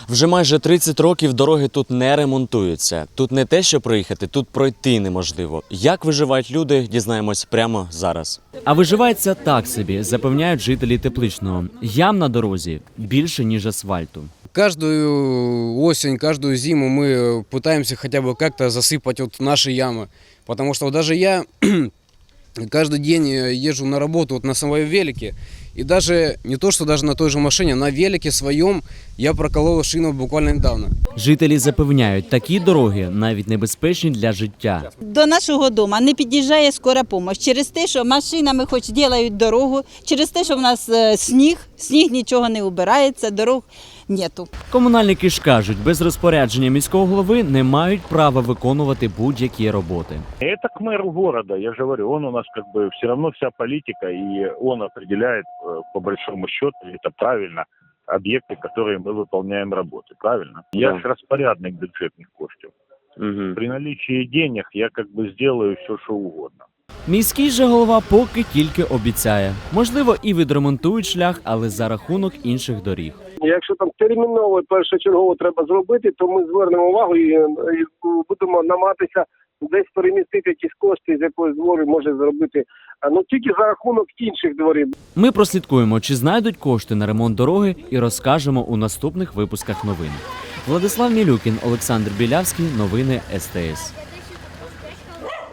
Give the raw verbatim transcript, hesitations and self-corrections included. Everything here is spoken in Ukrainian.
Вже майже тридцять років дороги тут не ремонтуються. Тут не те, що проїхати, тут пройти неможливо. Як виживають люди, дізнаємось прямо зараз. А виживається так собі, запевняють жителі Тепличного. Ям на дорозі більше, ніж асфальту. Каждую осень, каждую зиму мы пытаемся хотя бы как-то засыпать вот наши ямы. Потому что вот даже я каждый день езжу на работу вот на своем велике. И даже не то, что даже на той же машине, на велике своем я проколол шину буквально недавно. Жителі запевняють, такі дороги навіть небезпечні для життя. До нашого дому не під'їжджає скора допомога через те, що машинами хоч роблять дорогу, через те, що в нас е, сніг, сніг нічого не убирається, дорог нету. Комунальники ж кажуть, без розпорядження міського голови не мають права виконувати будь-які роботи. Это к мэру города, я же говорю, он у нас как бы все равно вся политика, и он определяет э, по большому счету, это правильно, объекты, которые мы выполняем работы, правильно? Я Да. же распорядник бюджетных коштів. Угу. При наличии денег я как бы сделаю все, что угодно. Міський же голова поки тільки обіцяє. Можливо, і відремонтують шлях, але за рахунок інших доріг. Якщо там терміново першочергово треба зробити, то ми звернемо увагу і, і будемо намагатися десь перемістити якісь кошти, з якоїсь двори може зробити, ну тільки за рахунок інших дворів. Ми прослідкуємо, чи знайдуть кошти на ремонт дороги, і розкажемо у наступних випусках новин. Владислав Мілюкін, Олександр Білявський, новини ес те ес.